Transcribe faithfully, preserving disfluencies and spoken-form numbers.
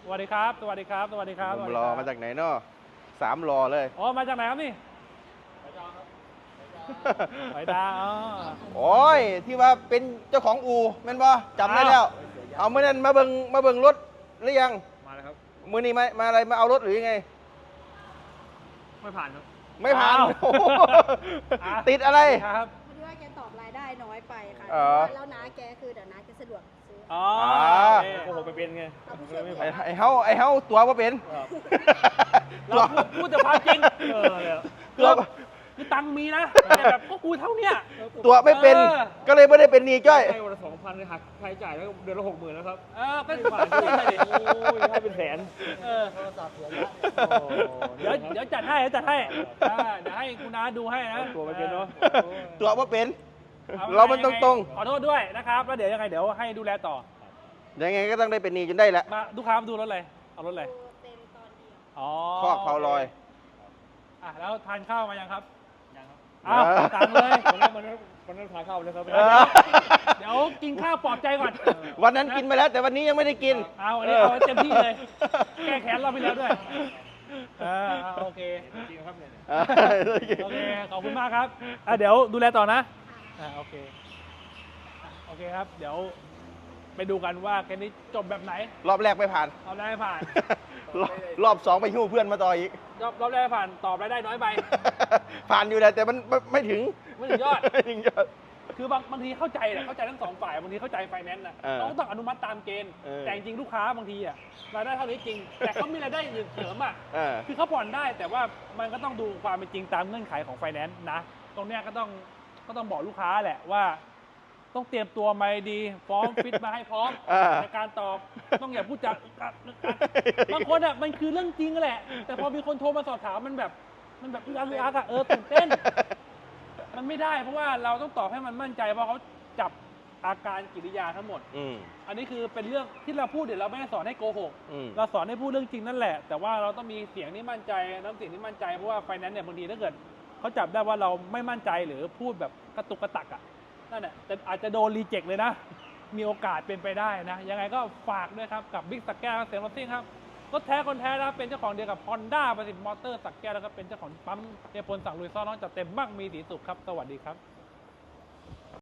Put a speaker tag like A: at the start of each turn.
A: สวัสดีครับสวัสดีครับสวัสดีครับ
B: ผมรอมาจากไหนเนาะสามรอเลย
A: อ๋อมาจากไหนครับนี่ไปดาวอ๋อ
B: โอ้ยที่ว่าเป็นเจ้าของอู่แม่นบ่จำได้แล้ว เอาเมื่อนั้นมาเบิงมาเบิงรถหรือยัง
A: มาแล้วครับ
B: มือนี้มามาอะไรมาเอารถหรือยังไง
A: ไม่ผ่านครับ
B: ไม่ผ่าน
A: อ้าว
B: โอ้โห
A: อ่ะ
B: ติดอะไร
A: ครับ
C: พอดีว่าแกตอบรายได้น้อยไปค่ะ
B: อ๋อ
C: แล้วน้าแกคือเดี๋ยวน้าแกสะดวกซื้อ
A: อ๋อ
B: อ่า
A: โอ้โหไปเป็นไง
C: เอาผู้ช่วย
A: ไม่
B: ไอ้
A: ผ่าน
B: ไอ้เฮาไอ้เฮาตัวว่าเป็น
A: เราพูดพูดแต่ความจริงเออเลย
B: ตัว
A: คือตังค์มีนะแต่แบบก็กูเท่าเนี้ย
B: ตัวไม่เป็น
A: เออ
B: ก็เลยไม่ได้เป็นหนีจ้อย
D: ให้วันละสองพันเลยหักค่าใช้จ่ายแล้วเดือนละหกหมื่นแล้วครับ
A: เออก็
D: ไม่ผ่านที่ไหนดิโอ้ยให้เป็นแสน
A: เออ
D: โทรศัพท์เสียละ
A: เดี๋ยวเดี๋ยวจัดให้เดี๋ยวจัดให้อ่าเดี๋ยวให้คุณน้าดูให้นะ
D: ตัวไม่เป็นเนาะ
B: ตัวว่าเป็น
A: ออ
B: เรามันตรง
A: ขอโทษด้วยนะครับแล้วเดี๋ยวยังไงเดี๋ยวให้ดูแลต่อ
B: ๆยังไงก็ต้องได้เป็นหนีจนได้แหละ
A: มาลูกค้ามาดูรถอะไรเอารถอะไร
C: เป็นตอนเดียว
A: อ๋อ
B: คอกเผาลอย
A: อ่ะแล้วทานข้าวมายังครับ
D: ยังครับ
A: อ้าว
B: เออ
A: สั่งเลย
D: วันนั้นวันนั้นวันนั้นพาเข้าเลยครับ
B: เออ
A: เดี๋ยวกินข้าวปลอบใจก่อน
B: วันนั้นกินไปแล้ว แต่วันนี้ยังไม่ได้กิน
A: เอาอันนี้เอาให้เต็มที่เลย แก้แค้นเราไปแล้วด้วยเออเอาโอเค
D: จริงครับเนี่ย
A: โอเค ขอบคุณมากครับอ่ะเดี๋ยวดูแลต่อนะอ่ะโอเคอ่ะโอเคครับ เดี๋ยวไปดูกันว่าแค่นี้จบแบบไหน
B: รอบแรกไม่ผ่าน
A: เอาได้ไม่ผ่าน
B: รอบรอบสองไปหิ้วเพื่อนมาต่ออีก
A: รอบรอบแรกไม่ผ่านตอบรายได้น้อยไป
B: ผ่านอยู่แล้วแต่มันไม่ไม่ถึง
A: ไม่ถึงยอด
B: ไม่ถึงยอด
A: คือบางบางทีเข้าใจแหละเข้าใจทั้งสองฝ่ายบางทีเข้าใจไฟแนนซ์นะ
B: เออ
A: เราก็ต้องอนุมัติตามเกณฑ์
B: เออ
A: แต่จริงๆลูกค้าบางทีอะรายได้เท่านี้จริง แต่เขามีรายได้อื่นเสริมอะ
B: เออ
A: คือเขาผ่อนได้แต่ว่ามันก็ต้องดูความเป็นจริงตามเงื่อนไขของไฟแนนซ์นะ ตรงเนี้ยก็ต้องก็ต้องบอกลูกค้าแหละว่า ต้องเตรียมตัวมาให้ดีฟ้องฟิตมาให้พร้อม
B: อ่า
A: ในการตอบต้องอย่าพูดจาอึกอักอึกอักบางคนอะมันคือเรื่องจริงแหละ แต่พอมีคนโทรมาสอบถามมันแบบมันแบบอึกอักอึกอักอะเออตื่นเต้น มันไม่ได้เพราะว่าเราต้องตอบให้มันมั่นใจเพราะเขาจับอาการกิริยาทั้งหมด
B: อืม
A: อันนี้คือเป็นเรื่องที่เราพูดเดี๋ยวเราไม่ได้สอนให้โกหก
B: อืม
A: เราสอนให้พูดเรื่องจริงนั่นแหละ แต่ว่าเราต้องมีเสียงที่มั่นใจน้ำเสียงที่มั่นใจเพราะว่าไฟแนนซ์เนี่ยบางทีถ้าเกิดเขาจับได้ว่าเราไม่มั่นใจหรือพูดแบบกระตุกกระตักอ่ะนั่นแหละแต่อาจจะโดนรีเจ็คเลยนะ มีโอกาสเป็นไปได้นะ ยังไงก็ฝากด้วยครับกับบิ๊กสักแก้วเสียงรถซิ่งครับรถแท้คนแท้นะครับเป็นเจ้าของเดียวกับ Honda ประสิทธิ์มอเตอร์สักแก้วแล้วก็เป็นเจ้าของปั๊มเอพลสั่งลุยซ่อนน้องจัดเต็มมากมีสีสุขครับสวัสดีครับ